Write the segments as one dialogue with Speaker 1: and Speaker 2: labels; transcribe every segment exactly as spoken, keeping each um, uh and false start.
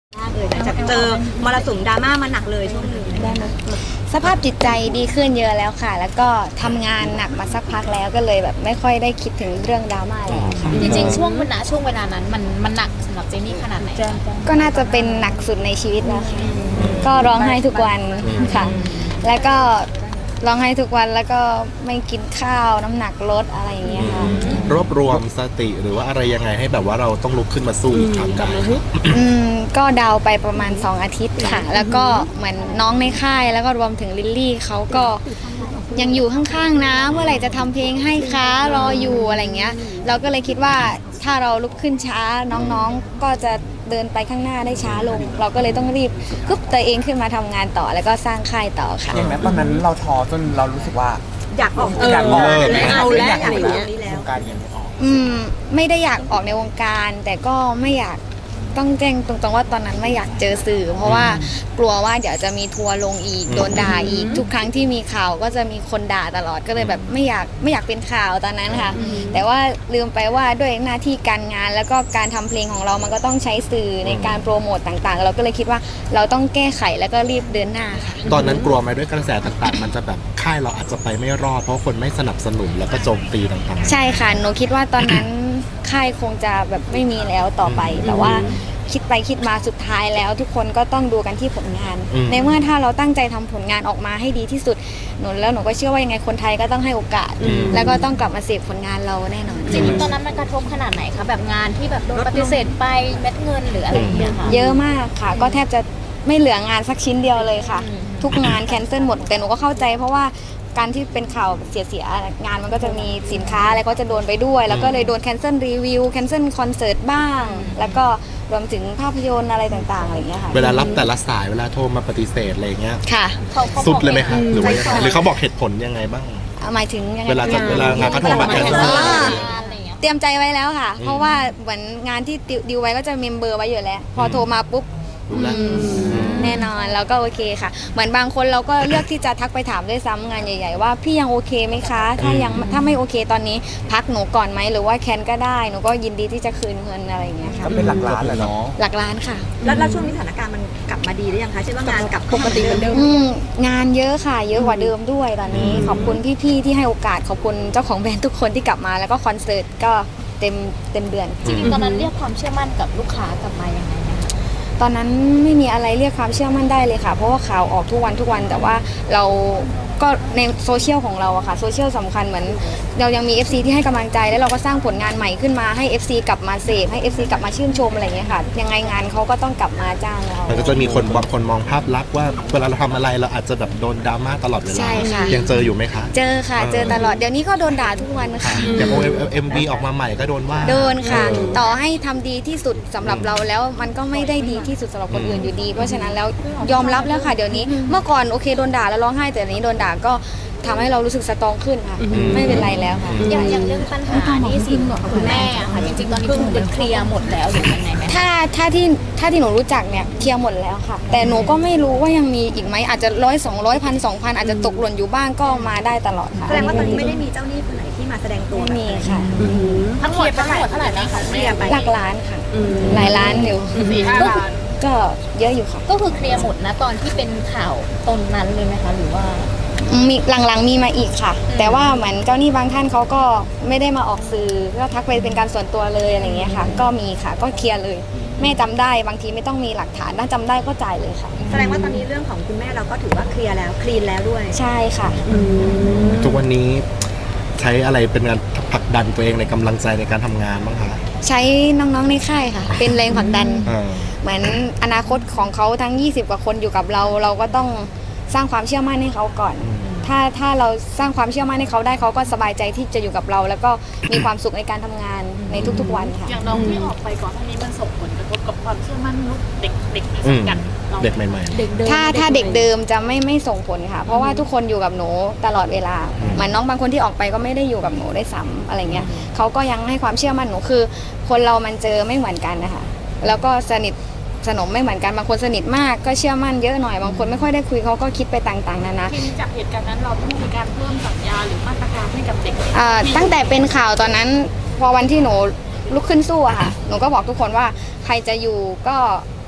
Speaker 1: มากเลยหลังจากเจอมรสุมดราม่ามาหนักเลยช่วงนี้ได้ไหม
Speaker 2: สภาพจิตใจดีขึ้นเยอะแล้วค่ะแล้วก็ทำงานหนักมาสักพักแล้วก็เลยแบบไม่ค่อยได้คิดถึงเรื่องดราม่าแล้วค่ะ
Speaker 3: จริงๆช่วงเวลาช่วงเวลานั้นมันมันหนักสำหรับเจนนี่ขนาดไหน
Speaker 2: ก็น่าจะเป็นหนักสุดในชีวิตแล้วค่ะก็ร้องไห้ทุกวันค่ะแล้วก็ร้องไห้ทุกวันแล้วก็ไม่กินข้าวน้ำหนักลดอะไรอย่างเงี้ยค่ะ
Speaker 4: รวบรวมสติหรือว่าอะไรยังไงให้แบบว่าเราต้องลุกขึ้นมาสู้อีกครั้งได้
Speaker 2: อืมก็ดาวไปประมาณสองอาทิตย์ค่ะแล้วก็เหมือนน้องในค่ายแล้วก็รวมถึงลิลลี่เขาก็ยังอยู่ข้างๆนะเมื่อไหร่จะทำเพลงให้คะรออยู่อะไรเงี้ยเราก็เลยคิดว่าถ้าเราลุกขึ้นช้าน้องๆก็จะเดินไปข้างหน้าได้ช้าลงเราก็เลยต้องรีบกึบตัวเองขึ้นมาทำงานต่อแล้วก็สร้างค่ายต่อค่ะ
Speaker 5: อย่างนั้นตอนนั้นเราท้อจนเรารู้สึกว่า
Speaker 1: อยากออก
Speaker 5: อยากออก
Speaker 1: ไม่เอาแล้วอะไรอย่างเงี้ย
Speaker 5: วงการยังไม่ออก
Speaker 2: อืมไม่ได้อยากออกในวงการแต่ก็ไม่อยากต้องแจ้งตรงๆว่าตอนนั้นไม่อยากเจอสื่อเพราะว่ากลัวว่าเดี๋ยวจะมีทัวร์ลงอีกโดนด่าอีกทุกครั้งที่มีข่าวก็จะมีคนด่าตลอดก็เลยแบบไม่อยากไม่อยากเป็นข่าวตอนนั้นค่ะแต่ว่าลืมไปว่าด้วยหน้าที่การงานแล้วก็การทำเพลงของเรามันก็ต้องใช้สื่อในการโปรโมตต่างๆเราก็เลยคิดว่าเราต้องแก้ไขแล้วก็รีบเดินหน้าค่ะ
Speaker 4: ตอนนั้นกลัวไหมด้วยกระแสต่างๆมันจะแบบค่ายเราอาจจะไปไม่รอดเพราะคนไม่สนับสนุนแล้วก็โจมตีต่างๆ
Speaker 2: ใช่ค่ะหนูคิดว่าตอนนั้นค่ายคงจะแบบไม่มีแล้วต่อไปแต่ว่าคิดไปคิดมาสุดท้ายแล้วทุกคนก็ต้องดูกันที่ผลงานในเมื่อถ้าเราตั้งใจทำผลงานออกมาให้ดีที่สุดหนูแล้วหนูก็เชื่อว่ายังไงคนไทยก็ต้องให้โอกาสแล้วก็ต้องกลับมาเสพผลงานเราแน่นอน
Speaker 3: จริงๆตอนนั้นมันกระทบขนาดไหนคะแบบงานที่แบบโดนปฏิเสธไปเม็ดเงินหรืออะไรอย่างเงี้ยค่ะ
Speaker 2: เยอะมากค่ะก็แทบจะไม่เหลืองานสักชิ้นเดียวเลยค่ะทุกงานแคนเซิลหมดแต่หนูก็เข้าใจเพราะว่าการที่เป็นข่าวเสียๆงานมันก็จะมีสินค้าอะไรก็จะโดนไปด้วยแล้วก็เลยโดนแคนเซิลรีวิวแคนเซิลคอนเสิร์ตบ้างแล้วก็รวมถึงภาพยนตร์อะไรต่างๆอะไรอย่างเงี้ยค่ะ
Speaker 4: เวลารับแต่ละสายเวลาโทรมาปฏิเสธอะไรเงี้ย
Speaker 2: ค่ะ
Speaker 4: สุดเลยไหมคะหรือว่าหรือเขาบอกเหตุผลยังไงบ้าง
Speaker 2: หมายถึงยังไง
Speaker 4: เวลาเวลางานเขาโทรมาแคนเซิล
Speaker 2: เตรียมใจไว้แล้วค่ะเพราะว่าเหมือนงานที่ดิวไว้ก็จะเมมเบอร์ไว้อยู่แล้วพอโทรมาปุ๊บแน่นอนแล้วก็โอเคค่ะเหมือนบางคนเราก็เลือกที่จะทักไปถามด้วยซ้ำงานใหญ่ๆว่าพี่ยังโอเคไหมคะถ้ายังถ้าไม่โอเคตอนนี้พักหนูก่อนไหมหรือว่าแคนก็ได้หนูก็ยินดีที่จะคืนเงินอะไรอย่างเงี้ยค่ะ
Speaker 5: ก็เป็นหลักล้านแหละเนาะ
Speaker 2: หลักล้านค่ะ
Speaker 1: แล้วช่วงนี้สถานการณ์มันกลับมาดีหรือยังคะเช่นว่างานกลับปกติเหมือนเดิม
Speaker 2: งานเยอะค่ะเยอะกว่าเดิมด้วยตอนนี้ขอบคุณพี่ๆที่ให้โอกาสขอบคุณเจ้าของแบรนด์ทุกคนที่กลับมาแล้วก็คอนเสิร์ตก็เต็มเต็มเดือน
Speaker 3: จริงๆตอนนั้นเรียกความเชื่อมั่นกับลูกค้ากลับมายังไง
Speaker 2: ตอนนั้นไม่มีอะไรเรียกความเชื่อมั่นได้เลยค่ะเพราะว่าข่าวออกทุกวันทุกวันแต่ว่าเราก็ในโซเชียลของเราอะค่ะโซเชียลสำคัญเหมือนเรายังมี เอฟ ซี ที่ให้กำลังใจแล้วเราก็สร้างผลงานใหม่ขึ้นมาให้ เอฟ ซี กลับมาเสพให้ เอฟ ซี กลับมาชื่นชมอะไรอย่างเงี้ยค่ะยังไงงานเขาก็ต้องกลับมาจ้างเรา
Speaker 4: มันก็จะมีคนบางคนมองภาพลักษณ์ว่าเวลาเราทำอะไรเราอาจจะแบบโดนดราม่าตลอดเวลา
Speaker 2: ใช่ค่ะ
Speaker 4: ยังเจออยู่ไหมคะ
Speaker 2: เจอค่ะเจอตลอดเดี๋ยวนี้ก็โดนด่าทุกวันค่ะ
Speaker 4: อย่างโอเอ็มวีออกมาใหม่ก็โดนว่า
Speaker 2: โดนค่ะต่อให้ทำดีที่สุดสำหรับเราแล้วมันก็ไม่ได้ดีที่สุดสำหรับคนอื่นอยู่ดีเพราะฉะนั้นแล้วยอมรับแล้วค่ะเดี๋ยวนี้เมื่อก่อนโอเคโดนด่าแล้วร้องไห้แต่เดี๋ยวนี้โดนด่าก็ทำให้เรารู้สึกสตรองขึ้นค่ะไม่เป็นไรแล้วค่ะ
Speaker 3: อย่างอย่างเรื่องปัญหานี่สินของคุณแม่ค่ะจริงๆตอนนี้คือเคลียร์หมดแล้วหรือยังไงไหม
Speaker 2: ถ้าถ้าที่ถ้าที่หนูรู้จักเนี่ยเคลียร์หมดแล้วค่ะแต่หนูก็ไม่รู้ว่ายังมีอีกไหมอาจจะร้อยสองร้อยพันสองพันอาจจะตกหล่นอยู่บ้างก็มาได้ตลอดค่ะ
Speaker 1: แสดงว่าตอนนี้ไม่ได้มีเจ้าหนี้คนไหนที่มาแสดงตัว
Speaker 2: ไม่มีค่ะ
Speaker 3: ทั้งหมดทั้งหมดเท่าไหร่นะคะ
Speaker 1: เคลียร์ไป
Speaker 2: หลักล้านค่ะหลายล้านอยู่
Speaker 3: สี่ห้าล้าน
Speaker 2: ก็เยอะอยู่ค่ะ
Speaker 3: ก็คือเคลียร์หมดนะตอนที่เป็นข่าวตนนั้นเลยไหมคะหรือว่า
Speaker 2: มีหลังๆมีมาอีกค่ะแต่ว่าเหมือนเจ้าหนี้บางท่านเขาก็ไม่ได้มาออกสื่อก็ทักไปเป็นการส่วนตัวเลยอะไรเงี้ยค่ะก็มีค่ะก็เคลียร์เลยแม่จำได้บางทีไม่ต้องมีหลักฐานถ้าจำได้ก็จ่ายเลยค่ะ
Speaker 1: แสดงว่าตอนนี้เรื่องของคุณแม่เราก็ถือว่าเคลียร์แล้วคลีนแล้วด้วย
Speaker 2: ใช่ค่ะ
Speaker 4: ทุกวันนี้ใช้อะไรเป็นการผลักดันตัวเองในกำลังใจในการทำงานบ้างคะ
Speaker 2: ใช้น้องๆในค่ายค่ะเป็นแรงผลักดันเหมือนอนาคตของเขาทั้งยี่สิบกว่าคนอยู่กับเราเราก็ต้องสร้างความเชื่อมั่นให้เขาก่อนถ้าถ้าเราสร้างความเชื่อมั่นให้เขาได้เขาก็สบายใจที่จะอยู่กับเราแล้วก็มีความสุขในการทำงานในทุกๆวันค่ะ
Speaker 3: อย่างน้องที่ออกไปก่อนหน้านี้มันส่งผลกระทบกับความเชื่อมั่นเด็กเด็กในสังกัด
Speaker 4: เด็กใหม่
Speaker 2: ๆถ้าถ้าเด็กเดิมจะไม่ไม่ส่งผลค่ะเพราะว่าทุกคนอยู่กับหนูตลอดเวลาเหมือนน้องบางคนที่ออกไปก็ไม่ได้อยู่กับหนูได้ซ้ำอะไรเงี้ยเขาก็ยังให้ความเชื่อมั่นหนูคือคนเรามันเจอไม่เหมือนกันนะคะแล้วก็สนิทสนมไม่เหมือนกันบางคนสนิทมากก็เชื่อมั่นเยอะหน่อยบางคนไม่ค่อยได้คุยเขาก็คิดไปต่างๆนานา
Speaker 3: ทีนี้จากเหตุการณ์นั้นเราต้องมีการเพิ่มสัญญาหรือมาตรการให้กับเด็ก
Speaker 2: ตั้งแต่เป็นข่าวตอนนั้นพอวันที่หนูลุกขึ้นสู้อะค่ะหนูก็บอกทุกคนว่าใครจะอยู่ก็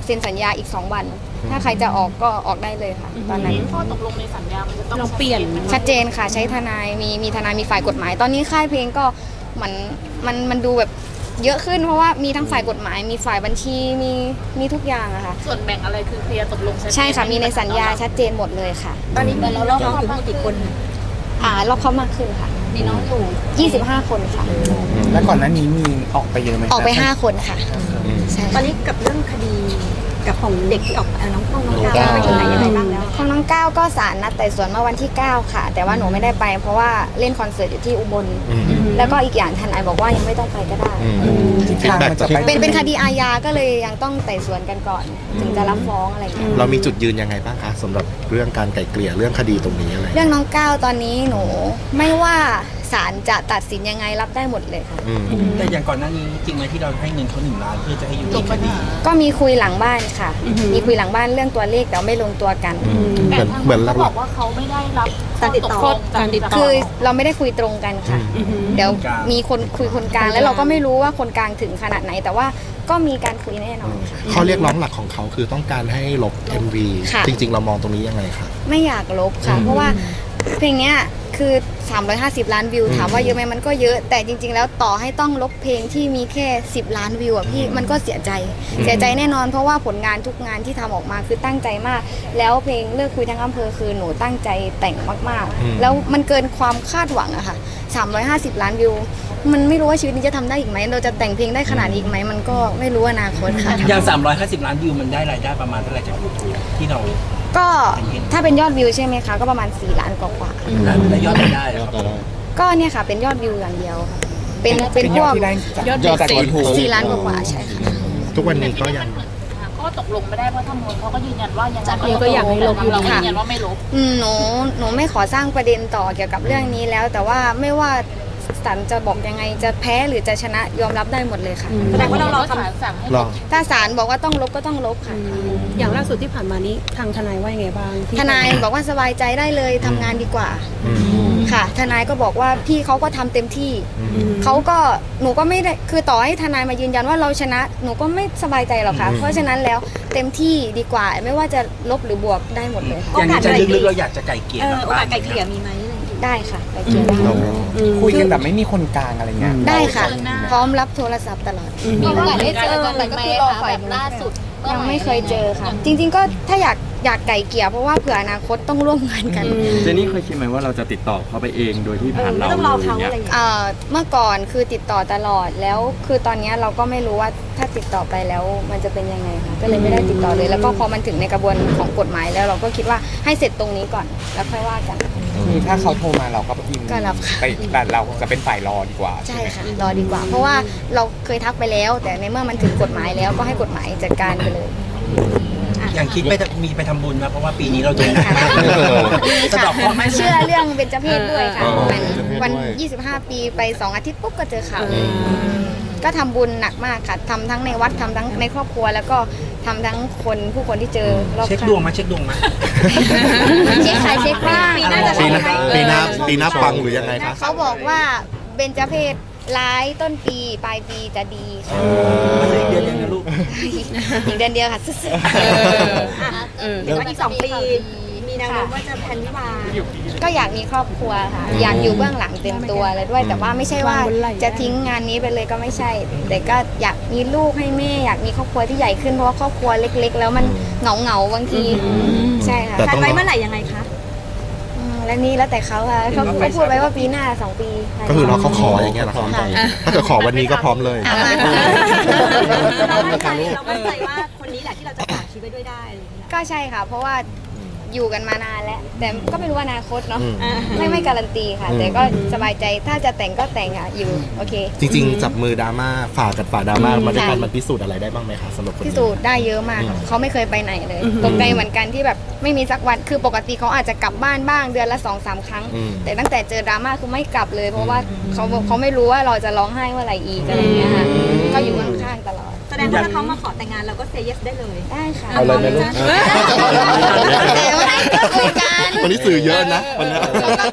Speaker 2: เซ็นสัญญาอีกสองวัน ถ้าใครจะออกก็ออกได้เลยค่ะ ตอนนั้น
Speaker 3: ข้อตกลงในสัญญามันจะต้อง
Speaker 6: เราเปลี่ยน
Speaker 2: ชัดเจนค่ะใช้ทนายมีมีทนายมีฝ่ายกฎหมาย ตอนนี้ค่ายเพลงก็เหมือนมันมันดูแบบเยอะขึ้นเพราะว่ามีทั้งฝ่ายกฎหมาย มีฝ่ายบัญชีมีมีทุกอย่างอะค่ะ
Speaker 3: ส่วนแบ่งอะไรคือเคลียร์ตกลงชัดเจน
Speaker 2: ใช่ค่ะมีในสัญญาชัดเจนหมดเลยค่ะ
Speaker 1: ตอนนี้มีน้องๆอยู่ทั้งหมดกี่คน
Speaker 2: อ่ารอบเข้ามากขึ้นค่ะ
Speaker 3: มีน้องอยู่
Speaker 2: ยี่สิบห้าคนค่ะ
Speaker 5: แล้วก่อนหน้านี้มีออกไปเยอะไหม
Speaker 2: ออกไปห้าคนค่ะใช่
Speaker 1: ตอนนี้กับเรื่องคดีกับของเด็กที่ออกเอ่อน้องต้องน้องก้าวไปถึงไหนยังไงบ้างแล้ว
Speaker 2: ของน้องก้าวก็ศาลนัดไต่สวนเมื่อวันที่เก้าค่ะ แต่ว่าหนูไม่ได้ไป เพราะว่าเล่นคอนเสิร์ตอยู่ที่อุบล
Speaker 4: อืม
Speaker 2: แล้วก็อีกอย่างทนายบอกว่ายังไม่ต้องไปก็ได้
Speaker 4: อืมฟีดแบ็กจาก
Speaker 2: เป็นเป็นคดีอาญาก็เลยยังต้องไต่สวนกันก่อน ถึงจะรับฟ้องอะไรอย่างเงี้ย
Speaker 4: เรามีจุดยืนยังไงบ้างคะสำหรับเรื่องการไกล่เกลี่ยเรื่องคดีตรงนี้อะไร
Speaker 2: เรื่องน้องก้าวตอนนี้หนูไม่ว่าศาลจะตัดสินยังไงรับได้หมดเลยค่ะ
Speaker 4: อืม
Speaker 7: แต่อย่างก่อนหน้านี้จริงไหมที่เราให้เงินเขาหนึ่งล้านเพื่อจะให้อยู่ในคดี
Speaker 2: ก็มีคุยหลังบ้านค่ะ มีคุยหลังบ้านเรื่องตัวเลขแต่ว่าไม่ลงตัวกัน
Speaker 4: เหมือนเหมือนห
Speaker 3: เขาบ
Speaker 4: ลั
Speaker 3: อก กว่าเขาไม่ได้รับ
Speaker 1: การติดต่อ
Speaker 3: ข้ตกลง
Speaker 6: การติดต่
Speaker 2: คือเราไม่ได้คุยตรงกันค่ะ เดี๋ยวมีคนคุยคนกลางแล้วเราก็ไม่รู้ว่าคนกลางถึงขนาดไหน แต่ว่าก็มีการคุยแน่นอนค่ะ
Speaker 4: ข้อเรียกร้องหลักของเขาคือต้องการให้ลบ เอ็ม วี
Speaker 2: ค่ะ
Speaker 4: จริง ๆ เรามองตรงนี้ยังไงคะ
Speaker 2: ไม่อยากลบค่ะ เพราะว่าเพลงเนี้ยคือสามร้อยห้าสิบล้านวิว
Speaker 4: อืม
Speaker 2: ถามว่าเยอะไหมมันก็เยอะ แต่จริง ๆ แล้วต่อให้ต้องลบเพลงที่มีแค่สิบล้านวิวอ่ะพี่มันก็เสียใจ เสียใจแน่นอนเพราะว่าผลงานทุกงานที่ทำออกมาคือตั้งใจมาก แล้วเพลงเลิกคุยทั้งอำเภอคือหนูตั้งใจแต่งมาก
Speaker 4: อืม
Speaker 2: ๆ แล้วมันเกินความคาดหวังอะค่ะสามร้อยห้าสิบล้านวิว มันไม่รู้ว่าชีวิตนี้จะทำได้อีกไหมเราจะแต่งเพลงได้ขนาดนี้อีกไหมมันก็ไม่รู้อนาคตค่ะ
Speaker 7: อย่างสามร้อยห้าสิบล้านวิวมันได้รายได้ประมาณเท่าไหร่จากยูทูบที่เรา
Speaker 2: ก็ถ้าเป็นยอดวิวใช่ไหมคะก็ประมาณสี่ล้านกว่าๆ
Speaker 7: ได้ยอดรายได้อะครับ
Speaker 2: ก็เนี่ยค่ะเป็นยอดวิวอย่างเดียวค่ะเป็นเป็นพวก
Speaker 5: ที่ได้จาก
Speaker 6: ยอด
Speaker 5: ยอดจาก
Speaker 6: เสพ
Speaker 5: ยูทูบ
Speaker 2: สี่ล้านกว่าๆใช่ค่ะ
Speaker 4: ทุกวันนี้ก็ยัง
Speaker 3: ข้อตกลงไม่ได้เพราะทางนู้นเขาก็ยืนยันว่ายังไง
Speaker 6: ก็อยากให้ลบอยู่
Speaker 3: เรา
Speaker 6: ดี
Speaker 3: ก็ยืนยันว่าไม่ลบ
Speaker 2: อืมหนูหนูไม่ขอสร้างประเด็นต่อเกี่ยวกับเรื่องนี้แล้ว แต่ว่าไม่ว่าศาลจะบอกยังไงจะแพ้หรือจะชนะยอมรับได้หมดเลยค่ะ
Speaker 1: แสดงว่าเรารอ
Speaker 3: ศา
Speaker 1: คำ
Speaker 3: ลสั่งให้
Speaker 4: ร
Speaker 3: ล
Speaker 4: อบ
Speaker 2: ถ้าศาลบอกว่าต้องลบก็ต้องลบค่ะ
Speaker 6: อย่างล่าสุดที่ผ่านมานี้ทางทนายว่ายังไงบ้างที่
Speaker 2: ทนายบอกว่าสบายใจได้เลยทำงานดีกว่า
Speaker 4: อืม
Speaker 2: ค่ะ ทนายก็บอกว่าพี่เขาก็ทำเต็มที่
Speaker 4: อืม
Speaker 2: เขาก็หนูก็ไม่ได้คือต่อให้ทนายมายืนยันว่าเราชนะหนูก็ไม่สบายใจหรอกค่ะ
Speaker 4: อืม
Speaker 2: เพราะฉะนั้นแล้วเต็มที่ดีกว่า ไม่ว่าจะลบหรือบวกได้หมดเลยค่ะ
Speaker 7: อย่างนี้ใจลึกๆเราอยากจะไก่เกลี่ย
Speaker 1: เออ
Speaker 7: กับ
Speaker 1: โอกา
Speaker 7: บ้า
Speaker 1: ส
Speaker 7: น
Speaker 1: ไกลเกลี่ยมีไหมอะไรอย่างเงี้ย
Speaker 2: ได้ค่ะไปเกี่ยวได้
Speaker 4: เรา
Speaker 5: คุยกันแบบไม่มีคนกลางอะไรเงี้ย
Speaker 2: ได้ค่ะ พร้อมรับโทรศัพท์ตลอด
Speaker 3: มีโอกาสได้เจอกันไหมคะแบบล่าสุด
Speaker 2: ยังไม่เคยเจอค่ะ จริง ๆ ก็ถ้าอยากอยากไก่เกลี่ยเพราะว่าเผื่ออนาคตต้องร่วมงานกัน
Speaker 8: เจนนี่เคยคิดไหมว่าเราจะติดต่อเขาไปเองโดยที่
Speaker 1: เอ
Speaker 8: ผ่า
Speaker 1: อน ไม่
Speaker 8: เรา
Speaker 1: ต้องรอเขา
Speaker 8: เล
Speaker 1: อะไร
Speaker 8: ย
Speaker 1: อย่างเงี้ย
Speaker 2: เอ่อเมื่อก่อนคือติดต่อตลอดแล้วคือตอนเนี้ยเราก็ไม่รู้ว่าถ้าติดต่อไปแล้วมันจะเป็นยังไงค่ะก็เลยไม่ได้ติดต่อเลย แล้วก็พอมันถึงในกระบวนของกฎหมายแล้วเราก็คิดว่าให้เสร็จตรงนี้ก่อนแล้วค่อยว่ากัน
Speaker 5: คือถ้าเขาโทรมาเราก็พิมพ์
Speaker 2: ก็รับค่ะ
Speaker 5: ไปแต่เราจะเป็นฝ่ายรอดีกว่า
Speaker 2: ใช่
Speaker 5: ไหม
Speaker 2: ค่ะรอดีกว่า เพราะว่าเราเคยทักไปแล้ว แต่ในเมื่อมันถึงกฎหมายแล้วก็ให้กฎหมายจัดการไปเลย
Speaker 7: อย่างคิดไปมีไปทำบุญนะเพราะว่าปีนี้เราโดน
Speaker 2: ค่ะ
Speaker 7: สะเดอกเคราะห์ไหม
Speaker 2: เชื่อเรื่องเบญจเพศด้วยค่ะ
Speaker 4: อ๋อ
Speaker 2: วัน
Speaker 4: เบญจเพศด้วย
Speaker 2: วัน ยี่สิบห้า ปีไปสองอาทิตย์ปุ๊บก็เจอข่าวเลยก็ทำบุญหนักมากค่ะทำทั้งในวัดทำทั้งในครอบครัว แล้วก็ทำทั้งคนผู้คนที่เจอรอบ
Speaker 7: เช็ค
Speaker 2: ข้าง
Speaker 7: ดวงมาเช็คดวงมา
Speaker 2: เช็คใครเช็คบ้าง
Speaker 1: ปีหน้าจะ
Speaker 4: ปีหน้า
Speaker 1: ใช่
Speaker 4: ปีหน้าปีหน้าปังหรือยังไงคะ
Speaker 2: เขาบอกว่าเบญจเพศร้ายต้นปีปลายปีจะดีค่ะ
Speaker 7: มันเหลืออีกเดือนยังนะลูก
Speaker 2: อีกเดือนเดียวค่ะสุด
Speaker 6: เออ
Speaker 1: เดี๋ยวอีกสองปี มีแนวโน้มว่าจะแพลนวิวาห์
Speaker 2: ๆก็อยากมีครอบครัวค่ะ อยากอยู่เบื้องหลังเต็มตัวเลยด้วย แต่ว่าไม่ใช่ว่าจะทิ้งงานนี้ไปเลยก็ไม่ใช่ แต่ก็อยากมีลูกให้แม่อยากมีครอบครัวที่ใหญ่ขึ้นเพราะว่าครอบครัวเล็ก ๆ แล้วมันเหงาเหงาๆบางทีใช่ค่ะ
Speaker 4: แต่
Speaker 1: แพล
Speaker 4: ต้อน ง
Speaker 1: ไว้เมื่อไหร่ยังไงคะ
Speaker 2: อืมและนี่แล้วแต่เขาค่ะเขาเขาพูดไว้ว่าปีหน้าสองปี
Speaker 4: ก็คือเราเขาขออย่างเงี้ยเหรอคะถ้าเกิดขอวันนี้ก็พร้อมเลย
Speaker 2: อ่ะมา
Speaker 1: เรามั่นใจเรามั่นใจว่าคนนี้แหละที่เราจะฝากชีวิตไว้ด้วยได้อะไรอย่างเงี้ย
Speaker 2: ก็ใช่ค่ะ เพราะว่าอยู่กันมานานแล้ว แต่ก็ไม่รู้ว่าอนาคตเนาะ
Speaker 4: อืม
Speaker 1: อ่า
Speaker 2: ไม่ไม่การันตีค่ะ
Speaker 4: อืม
Speaker 2: แต่ก็สบายใจถ้าจะแต่งก็แต่งอ่ะอยู่โอเค
Speaker 4: จริงๆ จับมือดราม่าฝ่ากับฝ่าดราม่า
Speaker 2: อืม
Speaker 4: มาด้วยกัน
Speaker 2: ค่ะ
Speaker 4: มันพิสูจน์อะไรได้บ้างไหมคะสำหรับคน
Speaker 2: พิ
Speaker 4: นี้
Speaker 2: สูจน์ได้เยอะมาก
Speaker 4: อืม
Speaker 2: เขาไม่เคยไปไหนเลยตกใจเหมือนกันที่แบบไม่มีสักวันคือปกติเขาอาจจะกลับบ้านบ้างเดือนละสองสามครั้ง
Speaker 4: อืม
Speaker 2: แต่ตั้งแต่เจอดราม่าคือไม่กลับเลย เพราะว่าเขาเขาไม่รู้ว่าเราจะร้องไห้เมื่อไหร่อีกอะไรอย่างเงี้ยค่ะก็อยู่ข้างๆตลอด
Speaker 1: แสดงว่าถ้าเขามาขอแต่งงานเราก็เซย์เยสได้เลย
Speaker 2: ได้ค่ะ
Speaker 4: เอาเลยไหมลูก
Speaker 2: แต่ว่าก็คุยกัน
Speaker 4: วันนี้สื่อเยอะนะวันเนี้ย
Speaker 2: เราก็คุยกัน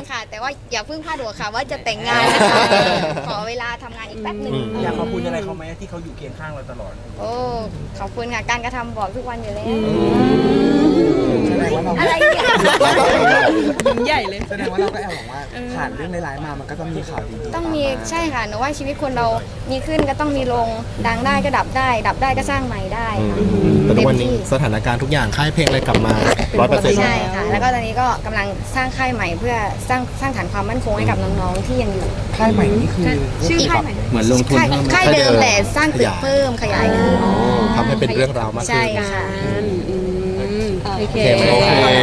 Speaker 2: ค่ะ แต่ว่าอย่าเพิ่งพลาดหัวค่ะว่าจะแต่งงานนะคะขอเวลาทำงานอีกแป๊บหนึ่ง
Speaker 7: อยากขอบคุณอะไรเขาไหมที่เขาอยู่เคียงข้างเราตลอด
Speaker 2: โอ้ขอบคุณค่ะการกระทำบอกทุกวันอยู่แล้ว
Speaker 5: แสดงว่าเรา
Speaker 2: อะไรเนี่ย
Speaker 6: ใหญ่เลย
Speaker 5: แสดงว่าเราก็แอบหวังว่าผ่านเรื่องร้ายๆมามันก็ต้องมีข่าวดีๆ
Speaker 2: ต้องมี
Speaker 5: าา
Speaker 2: ใช่ค่ะหนูว่าชีวิตคนเรามีขึ้นก็ต้องมีลงดังได้ก็ดับได้ ดับได้ก็สร้างใหม่ได้ค่ะ
Speaker 4: แต่ทุกวันนี้
Speaker 2: เต็มที่
Speaker 4: สถานการณ์ทุกอย่างค่ายเพลงอะไรกลับมาร้อยเปอร์เซ็นต์
Speaker 2: ใช่ค่ะ แล้วก็ตอนนี้ก็กำลังสร้างค่ายใหม่เพื่อสร้างสร้างฐานความมั่นคงให้กับน้องๆที่ยังอยู่
Speaker 5: ค่ายใหม่นี่คือ
Speaker 2: ชื่อค่ายใหม่
Speaker 8: เหมือนลงทุน
Speaker 2: ค่าย
Speaker 8: เพิ่มไหม
Speaker 2: ค่ายเดิมแต่สร้างตึกเพิ่มขยายขึ้น
Speaker 4: ทำให้เป็นเรื่องราวมากขึ้น
Speaker 2: ใช่ค่ะ
Speaker 6: อืมโอเค
Speaker 4: โอเคไหมโอเค